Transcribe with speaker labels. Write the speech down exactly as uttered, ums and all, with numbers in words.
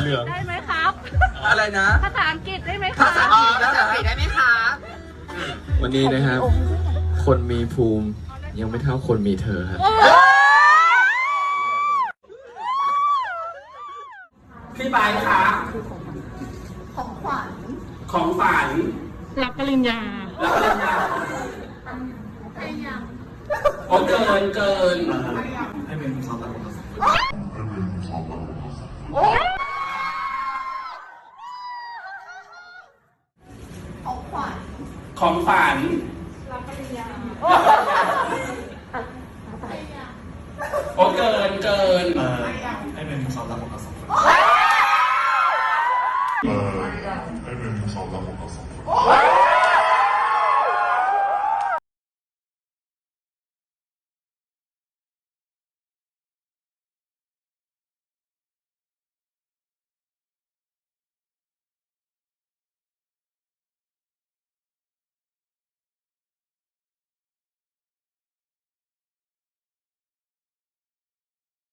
Speaker 1: เหลือง
Speaker 2: ได้ไหมครับ
Speaker 3: อะไรนะ
Speaker 2: ภาษาอังกฤษได้ไหมค
Speaker 3: ภา
Speaker 2: รับ
Speaker 3: ษาอังกฤษแล้วเหรอได้ไหมคะ
Speaker 1: วันนี้นะครับคนมีภูมิยังไม่เท่าคนมีเธอครับ
Speaker 3: พี่บายคะของขวัญของฝัน
Speaker 2: รับปริญญา
Speaker 3: รับปริญญาโอ้เกินเกินให้เป็นสองตำแหน่งของฝันของฝันรับปริญญาโอ้เกินเกินให้เป็นสองตำแหน่งสองคนให้เป็นสองตำแหน่งสองคน